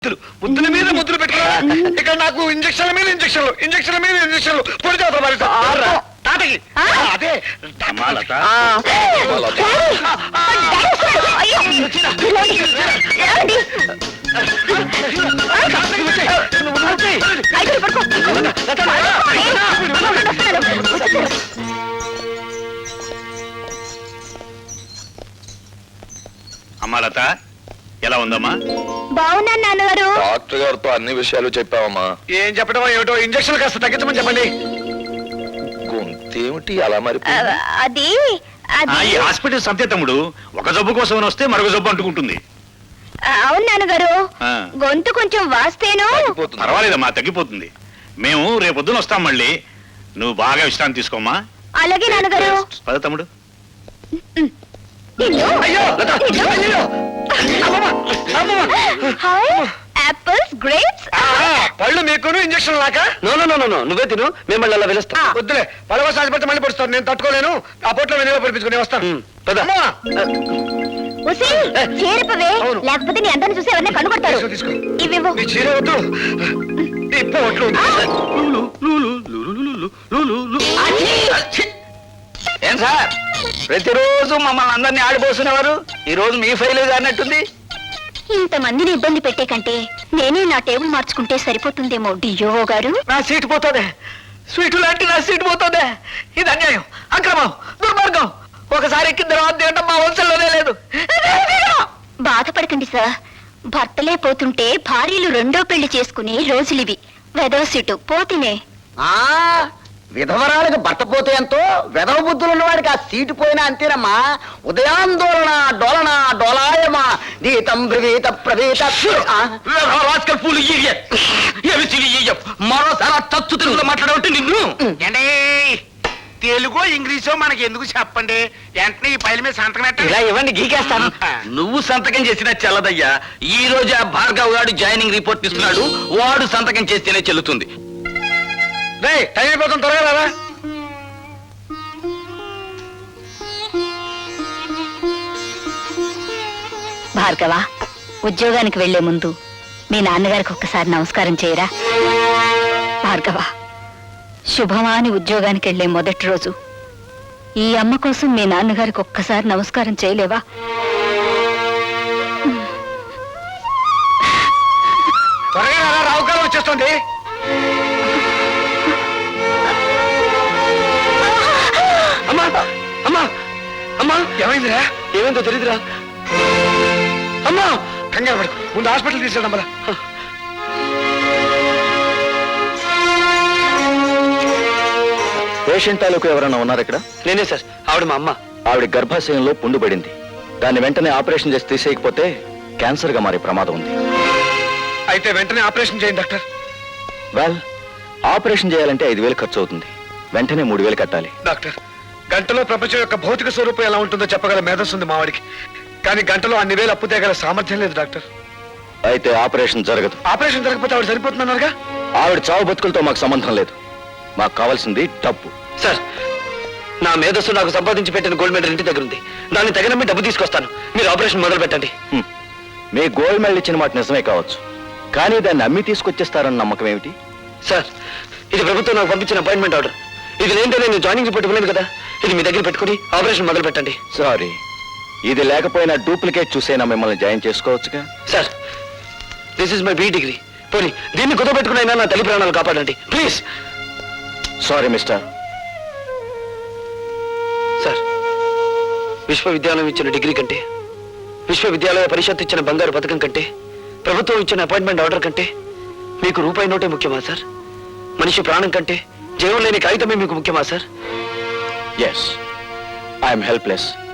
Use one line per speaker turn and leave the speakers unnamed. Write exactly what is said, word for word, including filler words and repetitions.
ముద్దుల మీద ముద్దులు పెట్టుకో. ఇక్కడ నాకు ఇంజక్షన్ల మీద ఇంజక్షన్లు ఇంజక్షన్ల మీద ఇంజక్షన్లు పొడి తాతకి అదే
అమ్మా లత, ఎలా ఉందమ్మా?
బాగున్నా నాన్నగారు.
డాక్టర్ గారితో అన్ని విషయాలు చెప్పావమ్మా?
ఏం చెప్పడం ఏమిటో, ఇంజక్షన్ కాస్త తగ్గించమని చెప్పండి.
గొంతేమిటి అలా మరి?
అది
ఈ హాస్పిటల్ సంతే తమ్ముడు, ఒక జబ్బు కోసం వస్తే మరొక జబ్బు అంటుకుంటుంది.
అవును నాన్నగారు, గొంతు కొంచెం వాస్తేను.
పర్వాలేదమ్మా, తగ్గిపోతుంది. మేము రేపొద్దున వస్తాం మళ్ళీ. నువ్వు బాగా విశ్రాంతి తీసుకోమ్మా.
అలాగే నాన్నగారు.
పద తమ్ముడు.
యాపిల్స్, గ్రేప్స్,
పళ్ళు మీకును ఇంజక్షన్ లాక.
నో నో నో నో నువ్వే తిను, మిమ్మల్ని అలా పిలుస్తా.
వద్దులే, పడవ సాగిపోతే మళ్ళీ పడుస్తాను. నేను తట్టుకోలేను. ఆ పొట్లో వెనుక పడిపించుకుని వస్తాను.
చేరిపవే, లేకపోతే నీ అందరిని చూసి ఎవరిని కనుగొడతారు.
తీసుకో.
ఇవివ్వు.
నీ చీర వద్దు, నీ పొట్లు.
ఏం సార్, ప్రతిరోజు మమ్మల్ని అందరినీ ఆడిపోసినవారు ఈ రోజు మీ ఫైల్ అన్నట్టుంది.
ఇంతమందిని ఇబ్బంది పెట్టే కంటే నేనే నా టేబుల్ మార్చుకుంటే సరిపోతుందేమో డియో గారు.
నా సీటు పోతుంది, స్వీటు లాంటి నా సీటు పోతుంది. ఇది అన్యాయం, అక్రమం, దుర్మార్గం. ఒకసారి ఎక్కిన తర్వాత తినడం మా వంశంలోనే లేదు.
బాధపడకండి సార్, భర్తలే పోతుంటే భార్యలు రెండో పెళ్లి చేసుకునే రోజులివి. వెదవ సీటు పోతేనే.
ఆ విధవరాలకు భర్త పోతే ఎంతో, వెధవ బుద్ధులు ఉన్నవాడికి ఆ సీటు పోయినా అంతేనమ్మా. ఉదయాందోళన డోలన డోలాయమా దీతం బ్రవీత ప్రవీత. మరోసారి తచ్చు తెలుగులో మాట్లాడబట్టి నిన్ను.
తెలుగు ఇంగ్లీషో మనకి ఎందుకు చెప్పండి, వెంటనే ఈ పైల మీద సంతకం పెట్టండి.
ఇలా ఇవ్వండి, గీకేస్తాను. నువ్వు సంతకం చేసినా చెల్లదయ్యా. ఈ రోజు ఆ భార్గవ్ గారు జాయినింగ్ రిపోర్ట్ ఇస్తున్నాడు, వాడు సంతకం చేస్తేనే చెల్లుతుంది.
రే, టైం అయిపోతుంది, త్వరగా రారా.
భార్గవ, ఉద్యోగానికి వెళ్లే ముందు మీ నాన్నగారికి ఒక్కసారి నమస్కారం చేయరా. భార్గవ, శుభమా అని ఉద్యోగానికి వెళ్లే మొదటి రోజు ఈ అమ్మ కోసం మీ నాన్నగారికి ఒక్కసారి నమస్కారం చేయలేవా?
త్వరగా రారా, రావుకాలం వచ్చేస్తుంది.
అమ్మా అమ్మా అమ్మా,
ఏమైందిరా?
ఏమైందో తెలీదురా. అమ్మా,
కంగారు పడు, ముందు హాస్పిటల్ తీసుకెళ్దాం మళ్ళా.
పేషెంట్ తాలూకు ఎవరైనా ఉన్నారు ఇక్కడ?
నేనే సార్, ఆవిడ మా అమ్మ.
ఆవిడ గర్భాశయంలో పుండు పడింది. దాన్ని వెంటనే ఆపరేషన్ చేసి తీసేయకపోతే క్యాన్సర్ గా మారే ప్రమాదం ఉంది.
అయితే వెంటనే ఆపరేషన్ చేయండి డాక్టర్.
వెల్, ఆపరేషన్ చేయాలంటే ఐదు వేలు ఖర్చు అవుతుంది. వెంటనే మూడు వేలు కట్టాలి.
డాక్టర్, గంటలో ప్రపంచం యొక్క భౌతిక స్వరూపం ఎలా ఉంటుందో చెప్పగల మేధస్సు ఉంది మావాడికి. కానీ గంటలో అన్ని వేలు అప్పు తేగల సామర్థ్యం లేదు డాక్టర్.
అయితే ఆపరేషన్ జరగదు.
ఆపరేషన్ జరగకపోతే ఆవిడ సరిపోతున్నారుగా.
ఆవిడ చావు బతుకులతో మాకు సంబంధం లేదు. మాకు కావాల్సింది డబ్బు.
సార్, నా మేధస్సు నాకు సంపాదించి పెట్టిన గోల్డ్ మెడల్ ఇంటి దగ్గర ఉంది. దాన్ని తగినమ్మి డబ్బు తీసుకొస్తాను. మీరు ఆపరేషన్ మొదలు పెట్టండి.
మీ గోల్డ్ మెడల్ ఇచ్చిన మాట నిజమే కావచ్చు, కానీ దాన్ని అమ్మి తీసుకొచ్చేస్తారన్న నమ్మకం ఏమిటి?
సార్, ఇది ప్రభుత్వం నాకు పంపించిన అపాయింట్మెంట్ ఆర్డర్. ఇది లేదంటే నేను జాయినింగ్ రిపోర్ట్ ఇవ్వలేదు కదా. ఇది మీ దగ్గర పెట్టుకుని ఆపరేషన్ మొదలు పెట్టండి.
సారీ, ఇది లేకపోయినా డూప్లికేట్ చూసైనా మిమ్మల్ని జాయిన్ చేసుకోవచ్చుగా.
Sir, this is my B degree. పోనీ దీన్ని కుదో పెట్టుకునైనా నా తల్లి ప్రాణాలు కాపాడండి ప్లీజ్.
Sorry mister.
సార్, విశ్వవిద్యాలయం ఇచ్చిన డిగ్రీ కంటే, విశ్వవిద్యాలయ పరిషత్ ఇచ్చిన బంగారు పథకం కంటే, ప్రభుత్వం ఇచ్చిన అపాయింట్మెంట్ ఆర్డర్ కంటే మీకు రూపాయి నోటే ముఖ్యమా సార్? మనిషి ప్రాణం కంటే జీవం లేని కాగితమే మీకు ముఖ్యమా సార్?
Yes, I'm helpless.